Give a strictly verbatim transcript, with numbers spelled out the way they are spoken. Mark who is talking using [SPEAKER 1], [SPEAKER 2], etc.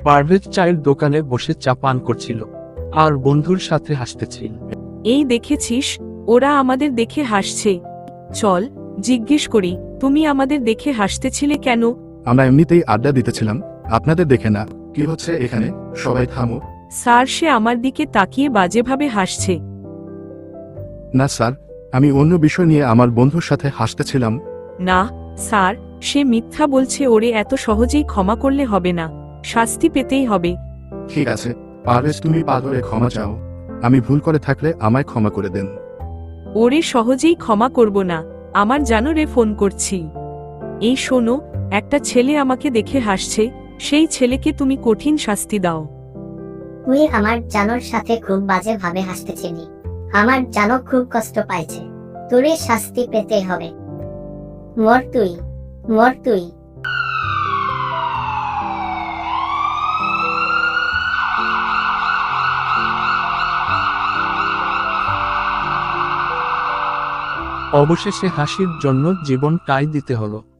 [SPEAKER 1] পারভেজ চায়ের দোকানে বসে চা পান করছিল আর বন্ধুর সাথে হাসতেছিল।
[SPEAKER 2] এই দেখেছিস, ওরা আমাদের দেখে হাসছে। চল জিজ্ঞেস করি, তুমি আমাদের দেখে হাসতেছিলে কেন?
[SPEAKER 3] আমরা এমনিতেই আড্ডা দিতেছিলাম, আপনাদের দেখে না। কি হচ্ছে এখানে? সবাই থামো।
[SPEAKER 2] স্যার, সে আমার দিকে তাকিয়ে বাজেভাবে হাসছে।
[SPEAKER 3] না স্যার, আমি অন্য বিষয় নিয়ে আমার বন্ধুর সাথে হাসতেছিলাম।
[SPEAKER 2] না স্যার, সে মিথ্যা বলছে। ওরে এত সহজেই ক্ষমা করলে হবে না, শাস্তি পেতেই হবে।
[SPEAKER 3] ঠিক আছে পারভেজ, তুমি পা ধরে ক্ষমা চাও। আমি ভুল করে থাকলে আমায় ক্ষমা করে দেন।
[SPEAKER 2] ওরে সহজেই ক্ষমা করব না, আমার জানোরে ফোন করছি। এই শোনো, একটা ছেলে আমাকে দেখে হাসছে, সেই ছেলেকে তুমি কঠিন শাস্তি দাও।
[SPEAKER 4] তুই আমার জানোর সাথে খুব বাজে ভাবে হাসতেছিলি, আমার জানো খুব কষ্ট পাইছে, তোরে শাস্তি পেতে হবে। মর তুই, মর তুই।
[SPEAKER 1] অবশেষে হাসির জন্য জীবনটাই দিতে হলো।